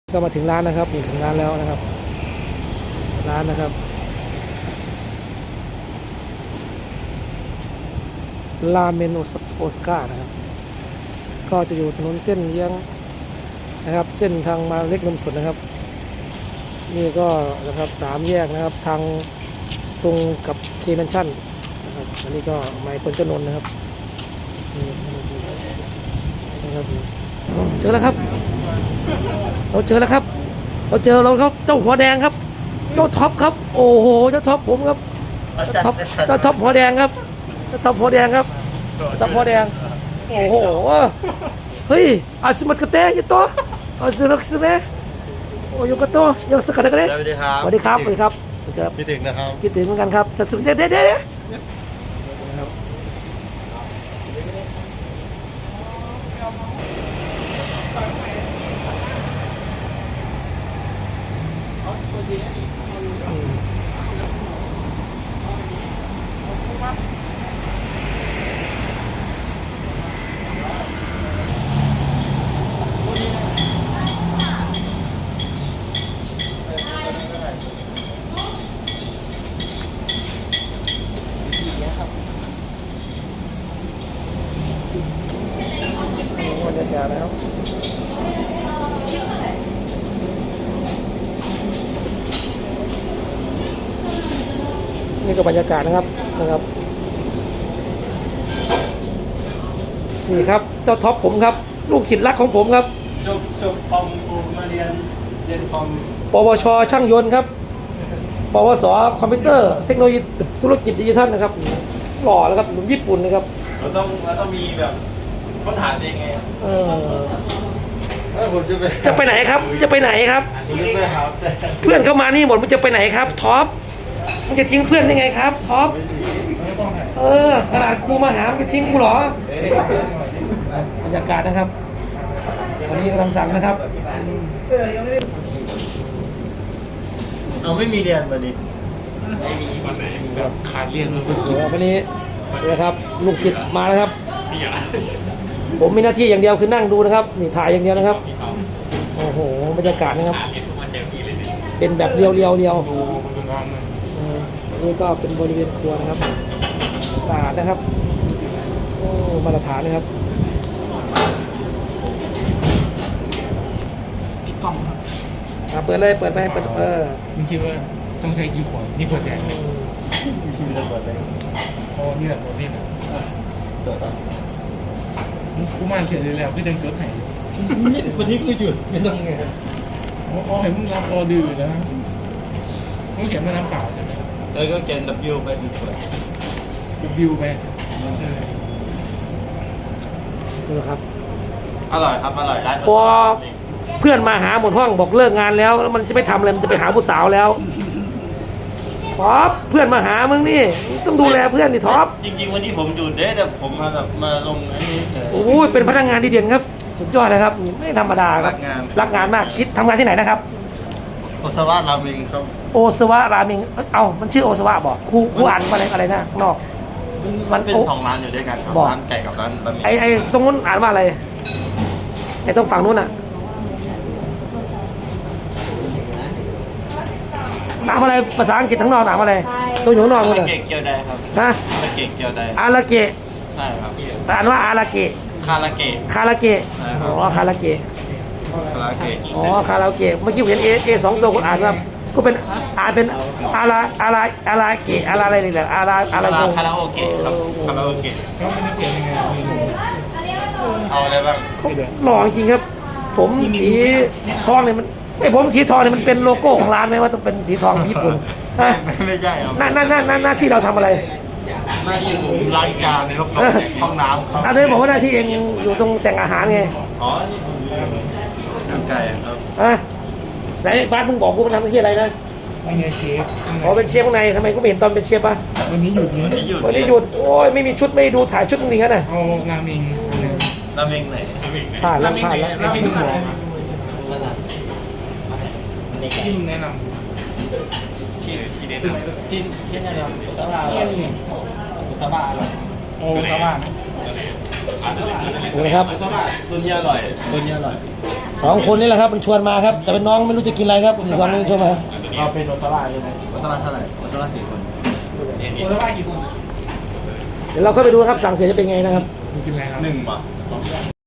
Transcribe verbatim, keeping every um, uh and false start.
ก็มาถึงร้านนะครับถึงร้านแล้วนะครับร้านนะครับราเมนโอสก้านะครับก็จะอยู่ถนนเส้นเยื้องนะครับเส้นทางมาเล็กนมสดนะครับนี่ก็นะครับสามแยกนะครับทางตรงกับเคแมนชั่นนะครับอันนี้ก็ไมค์คนจนนนะครับนี่นะครับเจอแล้วครับเราเจอแล้วครับเราเจอเราครับเจ้าหัวแดงครับเจ้าท็อปครับโอ้โหเจ้าท็อปผมครับเจ้าท็อปเจ้าท็อปหัวแดงครับเจ้าท็อปหัวแดงครับเจ้าหัวแดงโอ้โหเฮ้ยอาสมัตกระเตยยี่ตัวอาสมัตกระเตยโอ้ยกระโตยกสกัดกันเลยสวัสดีครับสวัสดีครับสวัสดีครับคิดถึงนะครับคิดถึงเหมือนกันครับจะสุดเด็ดเด็ดเด็ดบรรยากาศแล้วนี่ก็บรรยากาศนะครับนะครับนี่ครับเจ้าท็อปผมครับลูกศิษย์รักของผมครับจบจบคอมกูมาเรียนเรียนคอมปวชช่างยนต์ครับปวสคอมพิวเตอร์เทคโนโลยีธุรกิจดิจิทัลนะครับหล่อแล้วครับหนุ่มญี่ปุ่นนะครับเราต้องเราต้องมีแบบค้นหาเองไงเออผมจะไปจะไปไหนครับจะไปไหนครับเพื่อนเข้ามานี่หมดมันจะไปไหนครับท็อปมันจะทิ้งเพื่อนได้ไงครับท็อปเออขนาดครูมาหามันจะทิ้งกูเหรอบรรยากาศนะครับวันนี้กำลังสั่งนะครับเอาไม่มีเรียนวันนี้ไม่มีวันไหนแบบขาดเรียนเลยเดี๋ยววันนี้นะครับลูกศิษย์มาแล้วครับผมมีหน้าที่อย่างเดียวคือนั่งดูนะครับนี่ถ่ายอย่างเดียวนะครับโอ้โหบรรยากาศนะครับเป็นแบบเรียวเรียวเรียวนี่ก็เป็นบริเวณครัวนะครับสะอาดนะครับโอ้มาตรฐานนะครับพี่กล้องเปิดเลยเปิดไปเปิดเออมึงคิดว่าต้องใช้กี่ขวดนี่ขวดแดงเลยโอ้นี่แหละขวดนี่แหละกูมาเฉยเลยแล้วพี่เดินเกิดไหนวันนี้กูหยุดไม่ต้องไงอ๋อเห็นมึงรับออเดอร์แล้วมึงเขียนมาน้ำเปล่าใช่ไหมเออก็เขียน W ไปดีกว่า W ไปดูครับอร่อยครับอร่อยร้านพอเพื่อนมาหาหมดห้องบอกเลิกงานแล้วแล้วมันจะไม่ทำอะไรมันจะไปหาผู้สาวแล้วท็อปเพื่อนมาหามึงนี่ต้องดูแลเพื่อนดิท็อปจริงๆวันนี้ผมหยุดเด้แต่ผมมาแบบมาลงอันนี้โอ้ยเป็นพนักงานดีเด่นครับสุดยอดเลยครับไม่ธรรมดาครับรักงานมากคิดทำงานที่ไหนนะครับโอซาวะราเมงครับโอซาวะราเมงเอ้ามันชื่อโอซาวะบอกครูครูอ่านอะไรอะไรนะข้างนอกมันเป็นสองร้านอยู่ด้วยกันครับร้านไก่กับร้านบะหมี่ไอไอตรงนู้นอ่านว่าอะไรไอตรงฝั่งนู้นอ่ะหนามอะไรภาษาอังกฤษทั้งนอกหนามอะไรตัวอยู่ข้างนอกเลยอาราเกะเกียวไดครับฮะอาราเกะเกียวไดอาราเกะใช่ครับอ่านว่าอาราเกะคาราเกะคาราเกะอ๋อคาราเกะคาราเกะอ๋อคาราเกะเมื่อกี้เห็นเอเอสองตัวคุณอ่านว่าก็เป็นอ่านเป็นอาราอาราอาราเกะอาราอะไรนี่แหละอาราอาราคาราโอเกะครับคาราโอเกะแล้วมันจะเขียนยังไงเอาอะไรบ้างหล่อจริงครับผมสีทองเนี่ยมันไอ้ผมสีทองเนี่ยมันเป็นโลโก้ของร้านไหมว่าต้องเป็นสีทองญี่ปุ่นไม่ใช่ครับหน้าหน้าหน้าหน้าที่เราทำอะไรหน้าที่ผมล้างจานครับห้องน้ำครับอันนี้บอกว่าหน้าที่เองอยู่ตรงแต่งอาหารไงอ๋อทำไก่ครับอ่ะไหนบ้านมึงบอกกูมันทำหน้าที่อะไรนะไม่ใช่เชฟอ๋อเป็นเชฟข้างในทำไมกูไม่เห็นตอนเป็นเชฟป่ะวันนี้หยุดวันนี้หยุดวันนี้หยุดโอ้ยไม่มีชุดไม่ดูถ่ายชุดมึงงั้นน่ะเอาราเมงราเมงไหนผ่านแล้วผ่านแล้วราเมงหมูที่มึงแนะนำที่ที่แนะนำที่ที่แนะนำอุซาบะอุซาบะอร่อยโอ้ซาบะนะครับอุซาบะตัวนี้อร่อยตัวนี้อร่อยสองคนนี่แหละครับมันชวนมาครับ แต่เป็นน้องไม่รู้จะกินอะไรครับสองคนนี้ชวนมาเราเป็นโอซาร่าใช่ไหมโอซาร่าเท่าไหร่โอซาร่ากี่คนโอซาร่ากี่คนเดี๋ยวเราเข้าไปดูครับสั่งเสร็จจะเป็นไงนะครับมึงกินอะไรครับหนึ่งป่ะ